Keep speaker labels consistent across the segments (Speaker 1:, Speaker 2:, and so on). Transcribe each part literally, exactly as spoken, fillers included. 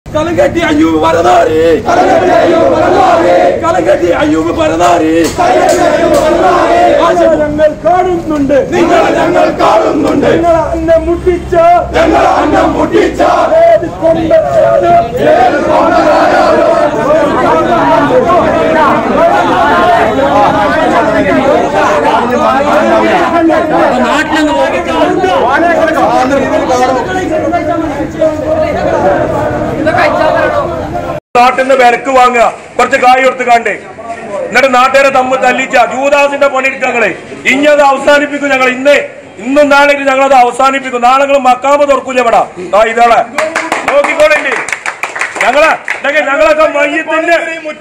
Speaker 1: Kalangati Ayub Baradari, Kalangati Ayub Baradari, Kalangati Ayub Baradari, Kalangati Ayub Baradari. Aja jangal kaadum nunde, ningala jangal kaadum nunde, ningala anna mutticha, ningala anna mutticha, ed kondarayadu, ed kondarayadu. നാട്ടിന്ന് വിലക്ക് വാങ്ങുക, കുറച്ച് കായ് കൊടുത്ത് കണ്ടേ, എന്നിട്ട് നാട്ടുകാരെ തമ്മിൽ തല്ലിച്ച ജൂദാസിന്റെ പണിയെടുക്കങ്ങളെ ഇഞ്ഞത് അവസാനിപ്പിക്കും. ഞങ്ങൾ ഇന്ന് ഇന്നും നാളെ ഞങ്ങളത് അവസാനിപ്പിക്കും. നാളെ നിങ്ങൾ മക്കാമ തുറക്കൂല ഇവിടെ ഇതോളെ നോക്കിക്കോളേ. ഞങ്ങളെ ഞങ്ങളൊക്കെ മയ്യത്തിന്റെ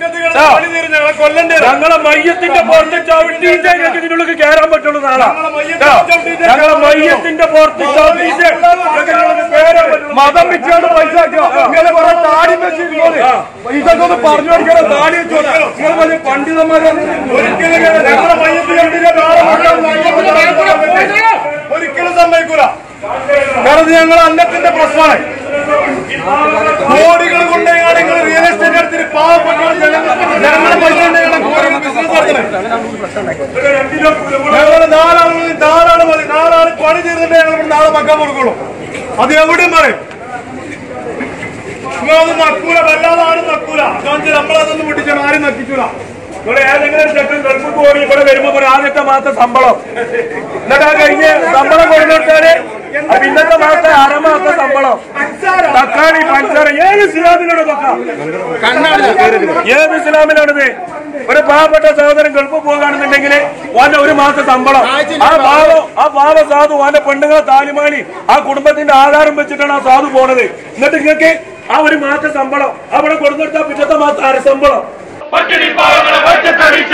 Speaker 1: ഞങ്ങളെ മയ്യത്തിന്റെ പുറത്ത് ചവിട്ടിയിട്ട് ഞങ്ങൾക്ക് ഇതിനുള്ളിൽ കയറാൻ പറ്റുള്ളൂ. നാളെ ഞങ്ങളെ മയ്യത്തിന്റെ പുറത്ത് ചവിട്ടിയിട്ട് മതം വെച്ചാണ് പൈസ ഇങ്ങനെ കുറെ താടി വെച്ചിരുന്നത്. ഇതൊക്കെ ഒന്ന് പറഞ്ഞു കൊടുക്കണം. താടി വെച്ചോളൂ. നിങ്ങൾ വലിയ പണ്ഡിതന്മാരാണ്. ഒരിക്കലും ഞങ്ങളെ മയ്യത്തിന്റെ ഒരിക്കലും സമ്മതിക്കൂല. കാരണം ഞങ്ങൾ അന്നത്തിന്റെ പ്രശ്നമാണ്. കോടികൾ കൊണ്ടാണ് നിങ്ങൾ റിയൽ എസ്റ്റേറ്റ് എടുത്തിട്ട് പാവപ്പെട്ട ജനങ്ങളുടെ പൈസ ബിസിനസ് നടത്തുന്നത്. ഞങ്ങൾ നാലാള് നാലാള് മതി. നാലാള് പണി ചെയ്തിട്ട് ഞങ്ങൾ നാളെ മക്കാൻ കൊടുക്കുള്ളൂ. അത് എവിടെയും പറയും. നിങ്ങളൊന്നും നക്കൂല, വല്ലാതെ ആരും നക്കൂല. കാരണം നമ്മളതൊന്നും പൊട്ടിച്ചാൽ ആരും നക്കിക്കൂല. ഇവിടെ ഏതെങ്കിലും ചെക്കൻ ഗൾഫ് പോയി ഇവിടെ വരുമ്പോ ഒരു ആദ്യത്തെ മാസം ശമ്പളം, എന്നിട്ട് ആ കഴിഞ്ഞ് ശമ്പളം കൊടുത്തിട്ടാല് പിന്നത്തെ മാസം അരമാസം ശമ്പളം, തക്കാളി പഞ്ചാര. ഏത് ഇസ്ലാമിലാണ് ഇതൊക്കെ? ഏത് ഇസ്ലാമിലാണിത്? ഒരു പാവപ്പെട്ട സഹോദരൻ ഗൾഫ് പോകുകയാണെന്നുണ്ടെങ്കിൽ ഓന്റെ ഒരു മാസം ശമ്പളം. ആ പാവ ആ പാവ സാധു ഓന്റെ പെണ്ണുങ്ങളെ താലിമാലി ആ കുടുംബത്തിന്റെ ആധാരം വെച്ചിട്ടാണ് ആ സാധു പോണത്. എന്നിട്ട് നിങ്ങൾക്ക് ആ ഒരു മാസം ശമ്പളം അവിടെ കൊടുത്തിട്ടാ പിറ്റത്തെ മാസം അരശമ്പളം. പട്ടിണി പാവങ്ങളെ ഒറ്റത്തടിച്ച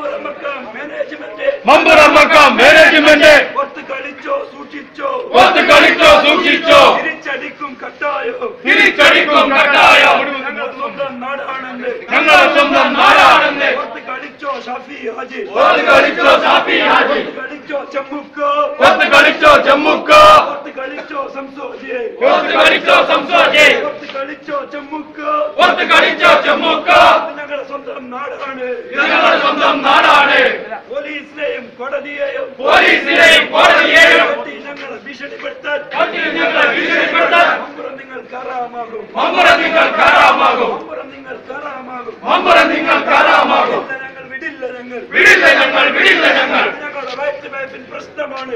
Speaker 1: മമ്പുറമ്മക്കാം മാനേജ്മെന്റ് ഒത്ത് കളിച്ചോ സൂക്ഷിച്ചോ, ഒത്ത് കളിച്ചോ സൂക്ഷിച്ചോ, തിരിച്ചടിക്കും കട്ടായോ, തിരിച്ചടിക്കും കട്ടായോ. ഞങ്ങളുടെ സ്വന്തം നാടാണെന്ന്, ഞങ്ങളുടെ സ്വന്തം നാടാണെന്ന്. ഒത്ത് കളിച്ചോ ഷാഫി ഹാജി, ഒത്ത് കളിച്ചോ ഷാഫി ഹാജി, ഒത്ത് കളിച്ചോ ചമ്മുക്കോ, ഒത്ത് കളിച്ചോ ചമ്മുക്കോ, ഒത്ത് കളിച്ചോ സംസോജി, ഒത്ത് കളിച്ചോ സംസോജി, ഒത്ത് കളിച്ചോ ചമ്മുക്കോ, ഒത്ത് കളിച്ചോ ചമ്മുക്കോ. ഞങ്ങളുടെ സ്വന്തം നാടാണ്, ഞങ്ങളുടെ സ്വന്തം നാടാണ്. പോലീസിനെയും കോടതിയെയും പോലീസിനെയും കോടതിയെയും ഞങ്ങളെ ഭീഷണിപ്പെടുത്താൻ ഞങ്ങളെ ഭീഷണിപ്പെടുത്താൻ മമ്പുറം നിങ്ങൾ കാറാമാകും, മമ്പുറം നിങ്ങൾ കാറാമാകും, മമ്പുറം നിങ്ങൾ കാറാമാകും, മമ്പുറം നിങ്ങൾ കാറാമാകും. ഞങ്ങൾ വിടില്ല, ഞങ്ങൾ വിടില്ല, ഞങ്ങൾ വിടില്ല. ഞങ്ങൾ ഞങ്ങളുടെ വയറ്റ് വയപ്പിൻ പ്രശ്നമാണ്,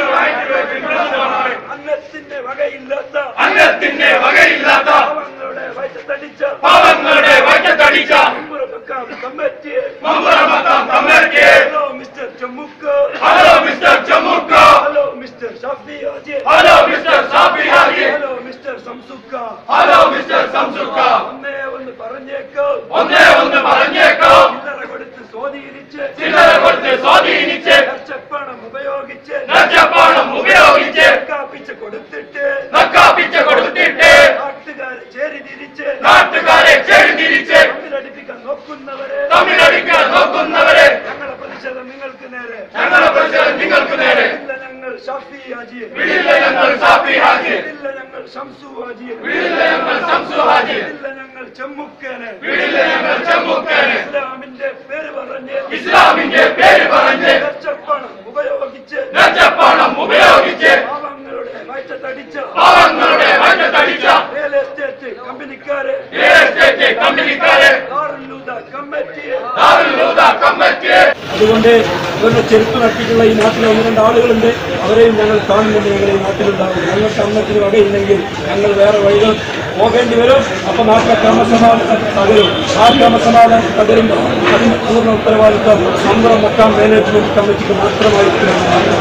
Speaker 1: പ്രശ്നമാണ്. അന്നത്തിന്റെ വകയില്ലാത്ത അന്നത്തിന്റെ വകയില്ലാത്ത പാവങ്ങളുടെ വയറ്റത്തടിച്ച പാവങ്ങളുടെ വയറ്റത്തടിച്ച മമ്പുറമക്കാം കമ്മിറ്റി, മമ്പുറമക്കാം കമ്മിറ്റി. ഹലോ മിസ്റ്റർ ചമ്മുക്കോ, ഹലോ മിസ്റ്റർ ചമ്മുക്കോ, hello mister Shafi Haji, hello mister Shafi Haji, hello mister സംസുക്ക, ഹലോ മിസ്റ്റർ സംസുക്ക. ഒന്നേ ഒന്ന് പറഞ്ഞേക്കോ, ഒന്നേ ഒന്ന് പറഞ്ഞേക്കോ. ചില്ലറ കൊടുത്ത് സ്വാധീനിച്ച്, ചില്ലറ കൊടുത്ത് സ്വാധീനിച്ച്, ലക്ഷപ്പണം ഉപയോഗിച്ച്, ലക്ഷപ്പണം ഉപയോഗിച്ച് നക്കാപ്പിച്ച് കൊടുത്തിട്ട്, നക്കാപ്പിച്ച് കൊടുത്തിട്ട് നാട്ടുകാരെ ചേരി തിരിച്ച്, നാട്ടുകാരെ ചേരി തിരിച്ച് തമ്മിലടിപ്പിക്കാൻ നോക്കുന്നവരെ, തമ്മിലടിക്കാൻ നോക്കുന്നവരെ. ഞങ്ങളുടെ പ്രതിഷേധം നിങ്ങൾക്ക് നേരെ, ഞങ്ങളുടെ പ്രതിഷേധം നിങ്ങൾക്ക് നേരെ. ഇല്ല ഞങ്ങൾ ഷാഫി ഹാജി, വിടില്ല ഞങ്ങൾ ഷാഫി ഹാജി, വിടില്ല ഞങ്ങൾ ശംസു ഹാജി, വിടില്ല ഞങ്ങൾ ശംസു ഹാജി, വിടില്ല ഞങ്ങൾ ചമ്മുക്കേനെ, വിടില്ല ഞങ്ങൾ ചമ്മുക്കേനെ. ഇസ്ലാമിന്റെ പേര് പറഞ്ഞ്, ഇസ്ലാമിന്റെ പേര് പറഞ്ഞ് ലക്ഷപ്പണം ഉപയോഗിച്ച്, ലക്ഷപ്പണം ഉപയോഗിച്ച് പാവങ്ങളുടെ വയറ്റത്തടിച്ച, പാവങ്ങളുടെ വയറ്റത്തടിച്ച റിയൽ എസ്റ്റേറ്റ് കമ്പനിക്കാരെ, റിയൽ എസ്റ്റേറ്റ് കമ്പനിക്കാരെ ദാറുൽ കമ്മിറ്റി, ദാറുൽ കമ്മിറ്റി. അതുകൊണ്ട് ഇവരുടെ ചെരുപ്പ് നട്ടിട്ടുള്ള ഈ നാട്ടിലെ ഒന്ന് രണ്ട് ആളുകളുണ്ട്. അവരെയും ഞങ്ങൾ കാണുന്നുണ്ട്. ഞങ്ങൾ ഈ നാട്ടിലുണ്ടാകും. ഞങ്ങൾക്ക് അന്നത്തിന് വകയില്ലെങ്കിൽ ഞങ്ങൾ വേറെ വഴികൾ പോകേണ്ടി വരും. അപ്പൊ നാട്ടിലെ ക്രമസമാധാനം തകരും. ആ ക്രമസമാധാനം തകരുമ്പോൾ അതിന് പൂർണ്ണ ഉത്തരവാദിത്വം മമ്പുറം മക്കാം മാനേജ്മെന്റ് കമ്മിറ്റിക്ക് മാത്രമായിരിക്കും.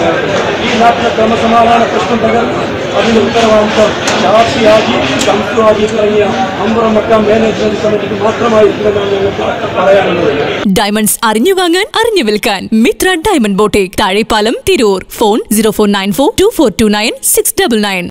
Speaker 1: ഈ നാട്ടിലെ ക്രമസമാധാന പ്രശ്നം തകർന്നു അതിന് ഉത്തരവാദിത്വം ഷാഫി ഹാജി, ശംസു ഹാജി തുടങ്ങിയ മമ്പുറം മക്കാം മാനേജ്മെന്റ് കമ്മിറ്റിക്ക് മാത്രമായിരിക്കുമെന്നാണ് ഞങ്ങൾക്ക് പറയാനുള്ളത്.
Speaker 2: ഡയമണ്ട്സ് അറിഞ്ഞു വാങ്ങാൻ അറിഞ്ഞു വിൽക്കാൻ Mitra diamond boutique, Thazhepalam, Tirur. Phone zero four nine four two four two nine six double nine.